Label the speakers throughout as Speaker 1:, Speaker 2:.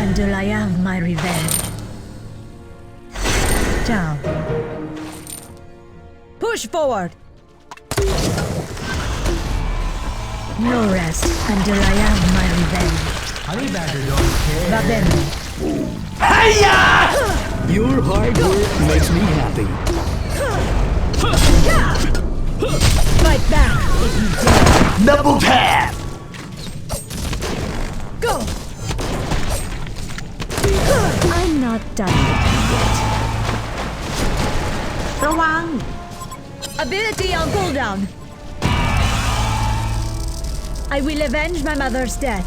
Speaker 1: until I have my revenge. Down. Push forward. No rest until I have my revenge.
Speaker 2: Honey Badger don't care.
Speaker 1: Va bene.
Speaker 3: Hiya! Your hard work makes me happy.
Speaker 1: Fight back if you dare.
Speaker 3: Double tap!
Speaker 1: Go! I'm not done with you yet.
Speaker 4: ระวัง
Speaker 1: Ability on cooldown. I will avenge my mother's death.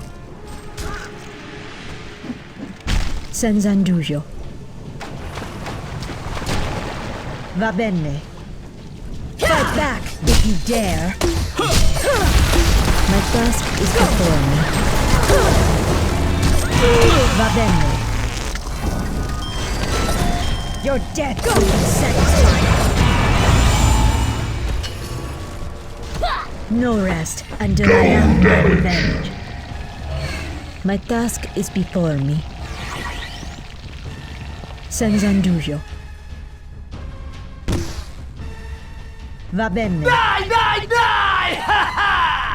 Speaker 1: Senzandujo. Va bene. Fight back if you dare. My task is before me. Va bene. Your death will be satisfied. No rest until I have my revenge. My task is before me. Senzandujo. Va bene.
Speaker 3: Die! Ha ha!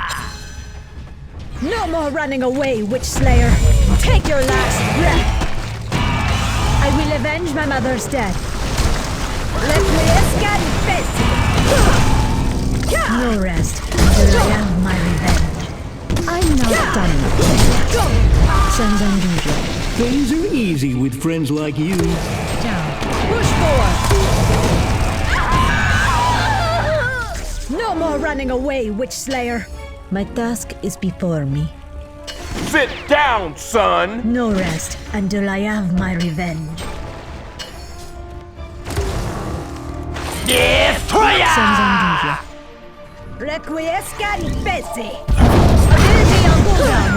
Speaker 1: No more running away, Witch Slayer. Take your last breath. I will avenge my mother's death. Let me escape. No rest until I have my revenge. I'm not done yet. Senzandujo.
Speaker 3: Things are easy with friends like you.
Speaker 1: Down. Push forward. No more running away, Witch Slayer. My task is before me.
Speaker 5: Sit down, son!
Speaker 1: No rest until I have my revenge.
Speaker 3: Destroyer!
Speaker 1: Senzandujo. Requiescat in Pesi. Ability on cooldown.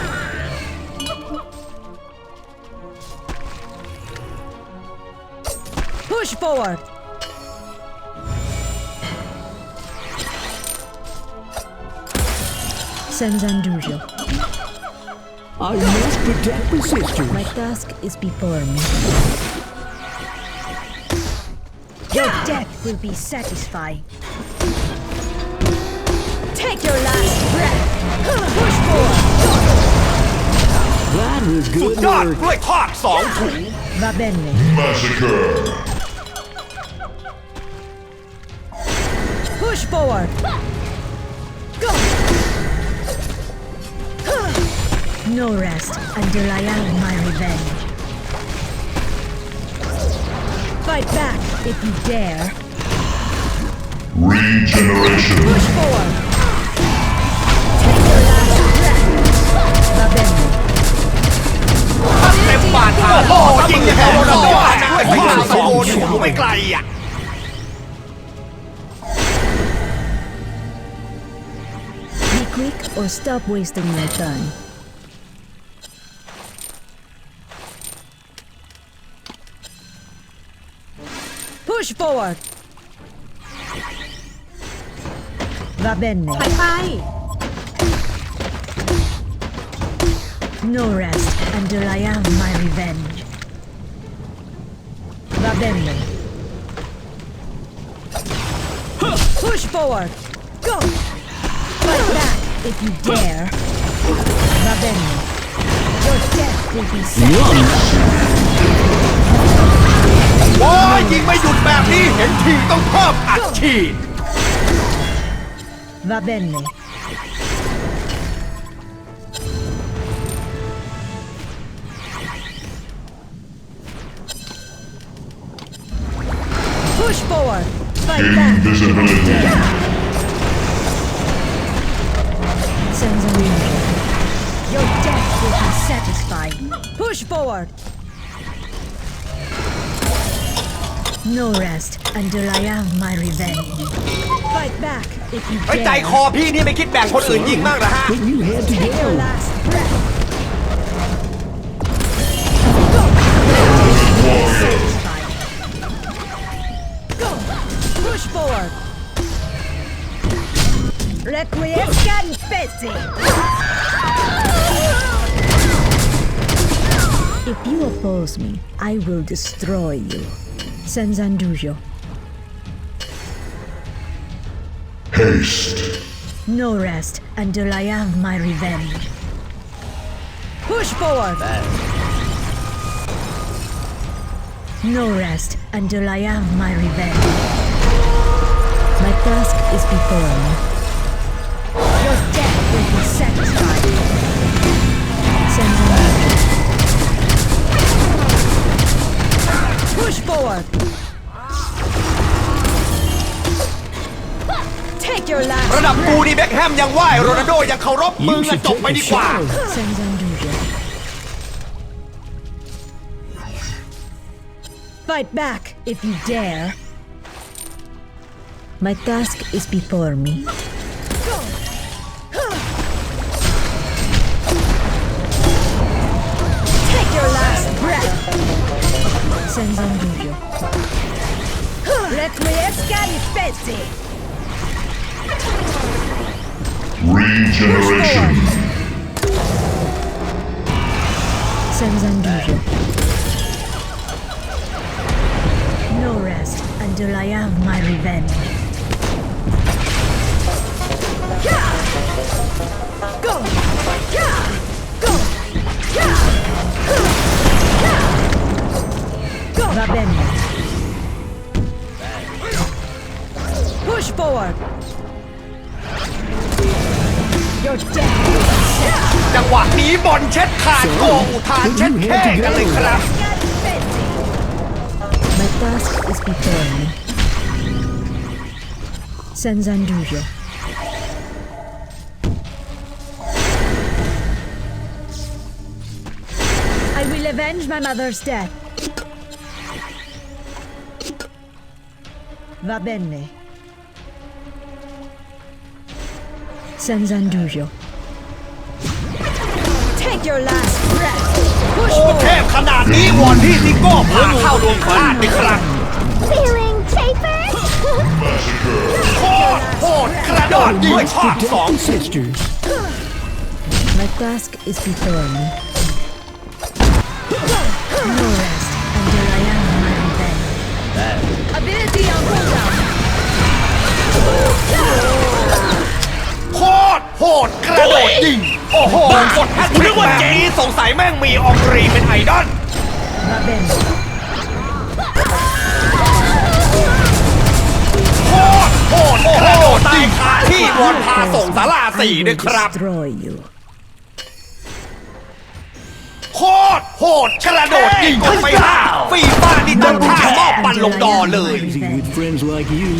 Speaker 1: Push forward. Senzandujo.
Speaker 3: I must protect the sisters.
Speaker 1: My task is before me. Your death will be satisfying. Take your last breath. Push forward.
Speaker 3: That was
Speaker 5: สุด
Speaker 3: good
Speaker 5: ยอด
Speaker 3: work.
Speaker 5: กล้วยทอด2 ถุง
Speaker 1: Va bene.
Speaker 6: Massacre!
Speaker 1: Push forward. Go. No rest until I have my revenge. Fight back if you dare.
Speaker 6: Regeneration!
Speaker 1: Push forward. Take your last breath. Va bene.
Speaker 5: เต็มบาดทางโอ้ยิงอย่างกับโรนัลโดนะกล้วยทอด2 โอ้อยู่ไม่ไกลอ่ะ
Speaker 1: Be quick or stop wasting my time. Push forward. Va bene.
Speaker 4: ไปไป
Speaker 1: No rest until I have my revenge. Va bene. Push forward. Go. Fight back if you dare. Va bene. Your death will be satisfied.
Speaker 5: โอ้ยยิงไม่หยุดแบบนี้เห็นทีต้องเพิ่มอัดฉีด
Speaker 1: Va bene. Push forward. Fight back.
Speaker 6: Invisibility!
Speaker 1: Senzandujo. Your death will be satisfied. Push forward. No rest until I have my revenge. Fight back if you
Speaker 5: ไว้ใจ
Speaker 1: dare.
Speaker 5: คอพี่นี่ไม่คิดแบ่งคนอื่นยิงบ้างเหรอฮะ
Speaker 3: But you had to
Speaker 1: Take your
Speaker 3: go.
Speaker 1: last breath. Satisfied. Go. Push forward. Requiescat in Pesi. If you oppose me, I will destroy you. Senzandujo.
Speaker 6: Haste.
Speaker 1: No rest until I have my revenge. Push forward! No rest until I have my revenge. My task is before me. Your death will be satisfied. Senzandujo. Push forward! Take your
Speaker 5: ระ
Speaker 1: last
Speaker 5: ดับกู
Speaker 1: breath.
Speaker 5: นี่เบ็คแฮมยังไหวโรนัลโดยังเคารพมึง
Speaker 3: You
Speaker 5: อะ
Speaker 3: should
Speaker 5: จบ
Speaker 3: take
Speaker 5: ไป
Speaker 3: a
Speaker 5: ดีกว่า
Speaker 3: shower.
Speaker 1: Senzandujo. Fight back if you dare. My task is before me. Take your last breath. Senzandujo. Requiescat in fece.
Speaker 6: Regeneration.
Speaker 1: Senzandujo. No rest until I have my revenge. Go! Go! Go! Va bene. Push forward. Your death will be set.
Speaker 5: จังหวะนี้บอลเช็ดขาดโกอุทานเช็ดแค่กันเลยครับ
Speaker 1: My task is before me. Senzandujo. I will avenge my mother's death. Va bene. Senzandujo. Take your last breath. Push
Speaker 5: โอ้เท
Speaker 1: forward.
Speaker 5: พขนาดนี้วอนพี่ซิโก้พาเข้าดวงพลาดเลยครับ
Speaker 4: Feeling safer?
Speaker 5: โคตรโหดกระโดดยิงภาคสอง
Speaker 3: Brothers and sisters.
Speaker 1: My task is before me. No rest until I have my revenge. Ability on cooldown.
Speaker 5: โคตรโหดกระโดดยิง โอ้โหกดแฮชแท็กแบบนี้สงสัยแม่งมีอองรีเป็นไอดอล
Speaker 1: Va bene.
Speaker 5: โคตรโหดกระโดดยิงขาที่วอนพาส่งสาราสี่ด้วยครับ
Speaker 1: Destroy you.
Speaker 5: โคตรโหดกระโดดยิงไปห้าฟีฟ่านี่ตั้งท่ามอบปันลงดอเลย
Speaker 3: Easy with friends like you.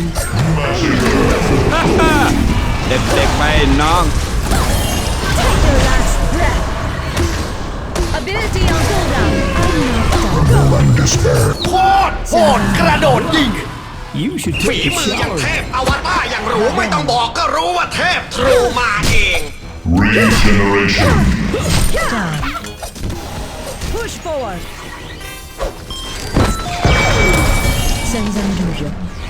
Speaker 7: เด็กๆไปน้อง
Speaker 1: Take your last breath. Ability on cooldown.
Speaker 6: Despair.
Speaker 5: โคตรโหดกระโดดยิง
Speaker 3: You should
Speaker 5: ฝี
Speaker 3: take a
Speaker 5: มืออย่าง
Speaker 3: shower.
Speaker 5: เทพอวตารอย่างรู้ไม่ต้องบอกก็รู้ว่าเทพทรูมาเอง
Speaker 6: Regeneration.
Speaker 1: Down. Push forward. Senzandujo.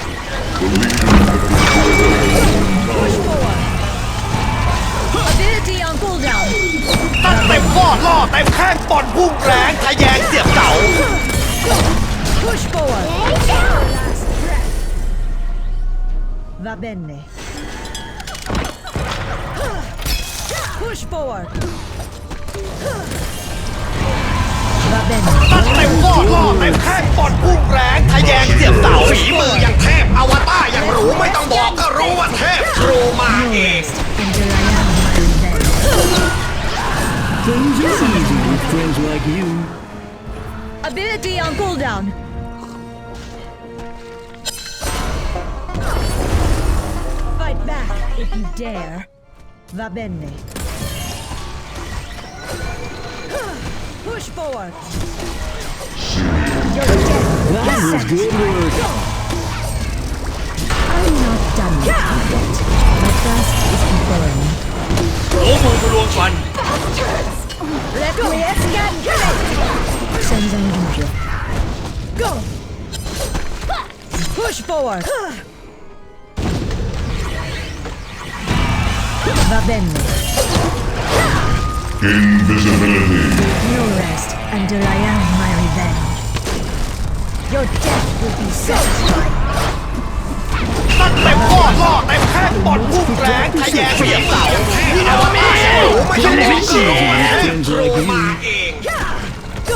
Speaker 1: Push forward. Ability on cooldown.
Speaker 5: ตั้งเต็มฟอดล่อเต็มแข้งปอนพุ่งแรงทะแยงเสียบเสา
Speaker 1: Push forward. Last breath. Va bene. Push forward. Va bene.
Speaker 5: ตั้งเต็มฟอดล่อเต็มแข้งปอนพุ่งแรงทะแยงเสียบเสาฝีมืออย่างเทพอวตารอย่างรู้ไม่ต้องบอกก็รู้ว่าเทพทรูมาเอง
Speaker 1: Until I have my revenge.
Speaker 3: Things are easy with friends like you.
Speaker 1: Ability on cooldown. Fight back if you dare. Va bene. Push forward. Your death
Speaker 3: That
Speaker 1: is
Speaker 3: was good
Speaker 1: satisfied.
Speaker 3: work.
Speaker 1: I'm not done with you yet. My task is before me.
Speaker 5: โอ้มือรวมฟัน
Speaker 1: Requiescat Senzandujo. Go! Push forward. Va bene.
Speaker 6: Invisibility.
Speaker 1: No rest until I am my revenge. Your death will be satisfied.
Speaker 5: ตั้งเต็มข้อล่อเต็มแข้งบอลพุ่งแรงทะแยงเสียงเสาอวตารยังรู้ไม่ต้องบอกก็รู้ว่าเทพโทรมาเอง
Speaker 1: Go!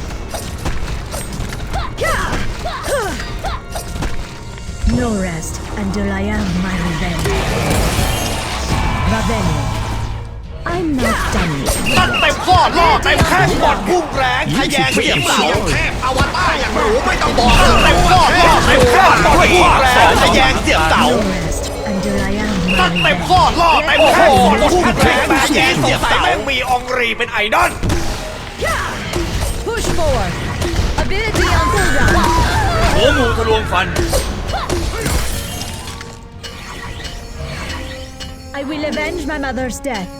Speaker 1: No rest until I am my revenge. Ravenia, I'm not done yet.
Speaker 5: ตั้งเต็มข้อล่อเต็มแข้งบอลพุ่งแรงทะแยงเสียงเสาเทพอวตารยังรู้ไม่ต้องบอกตั้งเต็มข้อล่อเต็มแข้งบอลพุ่งแรงทะแยงเสียงเสา
Speaker 1: No rest until I am
Speaker 5: ตั้ง
Speaker 1: my
Speaker 5: เต็ม
Speaker 1: revenge.
Speaker 5: ข้อล่อเต็มแข้งบอลพุ่งแรงทะแยงเสียงเสาแม่งมีองรีเป็นไอดอล
Speaker 1: Push forward. Ability on cooldown.
Speaker 7: หัวหมูทะลวงฟัน
Speaker 1: I will avenge my mother's death.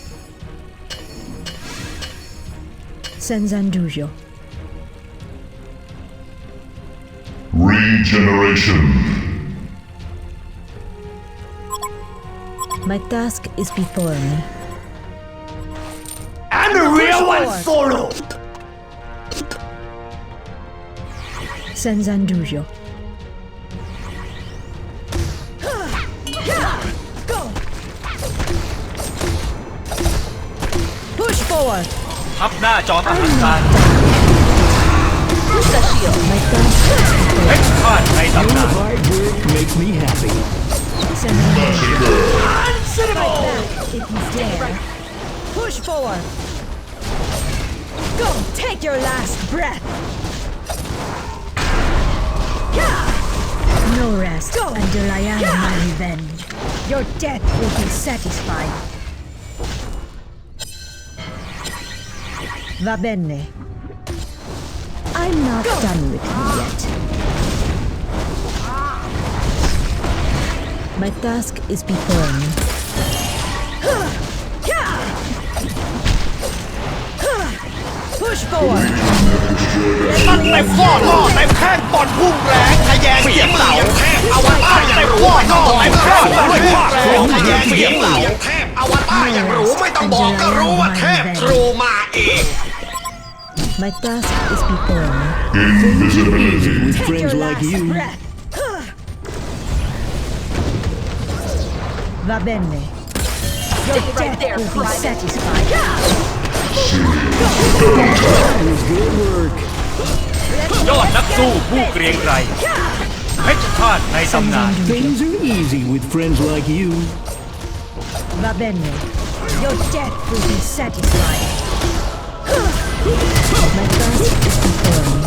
Speaker 1: Senzandujo.
Speaker 6: Regeneration.
Speaker 1: My task is before me.
Speaker 5: I'm the real one solo
Speaker 1: Senzandujo. Go! Push forward.
Speaker 7: ทับหน้าจอมอหังการ
Speaker 1: Push the shield. My task is
Speaker 7: เพ
Speaker 1: before
Speaker 7: ชรฆาตในตำนาน
Speaker 3: Hard work makes me happy.
Speaker 1: Senzandujo.
Speaker 6: Massacre.
Speaker 1: Fight back if you dare. Push forward. Go! Take your last breath. No rest until I am my revenge. Your death will be satisfied. Va bene. I'm not done with you yet. My task is before me. Push forward.
Speaker 5: ตั้งเต็มข้อล่อเต็มแข้งบอลพุ่งแรงทะแยงเสียงเสาเทพอวตารยังรู้ไม่ต้องบอกก็รู้ว่าเทพโทรทะแยงเสียงเสาเทพอวตารยังรู้ไม่ต้องบอกก็รู้ว่าเทพโทรมาเอง
Speaker 1: My task is before me.
Speaker 6: Invisibility.
Speaker 3: With
Speaker 1: Take
Speaker 3: friends
Speaker 1: your
Speaker 3: like
Speaker 1: last
Speaker 3: you.
Speaker 1: breath. Va bene. Your death will be satisfied.
Speaker 3: Good work.
Speaker 7: ยอดนักสู้ผู้เกรียงไกรเพชรฆาตในตำนาน
Speaker 3: Things are easy with friends like you.
Speaker 1: Va bene. Your death will be satisfied. My task is before me.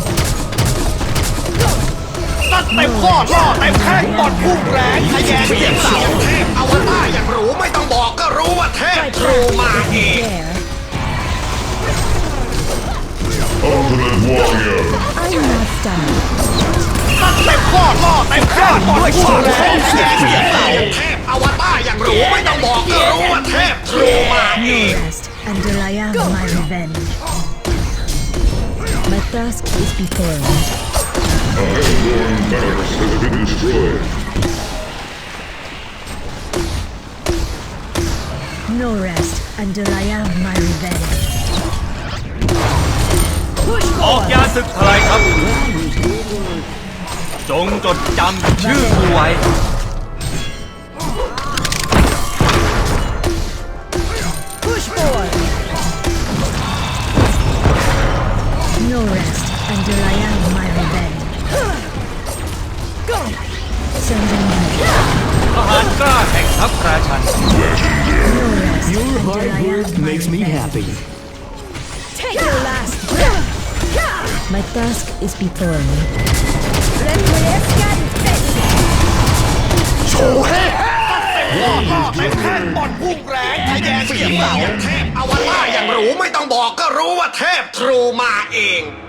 Speaker 5: ตั้งเต็มข้อล่อเต็มแข้งบอลพุ่งแรงทะแยงเสียงเสาเทพอวตารยังรู้ไม่ต้องบอกก็รู้ว่าเทพ
Speaker 1: Fight
Speaker 5: โทร
Speaker 1: back
Speaker 5: มา
Speaker 1: if
Speaker 5: เอ
Speaker 1: you
Speaker 5: ง
Speaker 1: dare.
Speaker 6: Ultimate warrior.
Speaker 1: I'm not done.
Speaker 5: ตั้งเต็มข้อล่อเต็มแข้งบอลพุ่งแรงทะแยงเสียงเสาเทพอวตารยังรู้ไม่ต้องบอกก็รู้ว่าเทพโทรมาเอ
Speaker 1: No
Speaker 5: ง
Speaker 1: rest until I am my revenge. My task is before me.
Speaker 6: A Hellborn barracks has been destroyed.
Speaker 1: No rest until I am my revenge. Push
Speaker 7: ออก
Speaker 1: forward.
Speaker 7: ยาศึกทลายครับจงจดจำชื่อกูไว้
Speaker 1: Push forward. No rest until I am my revenge. Go. Send them back.
Speaker 7: ทหารกล้าแห่งทัพราชัน
Speaker 1: No rest
Speaker 3: Your
Speaker 1: until
Speaker 3: hard
Speaker 1: I
Speaker 3: work
Speaker 1: am my
Speaker 3: makes me
Speaker 1: revenge.
Speaker 3: happy.
Speaker 1: Take your last breath. My task is before me.
Speaker 5: โชว์ให้ล่อเต็มแข้งบอลพุ่งแรงทะแยงเสียงเสาเทพอวตารยังรู้ไม่ต้องบอกก็รู้ว่าเทพโทรมาเอง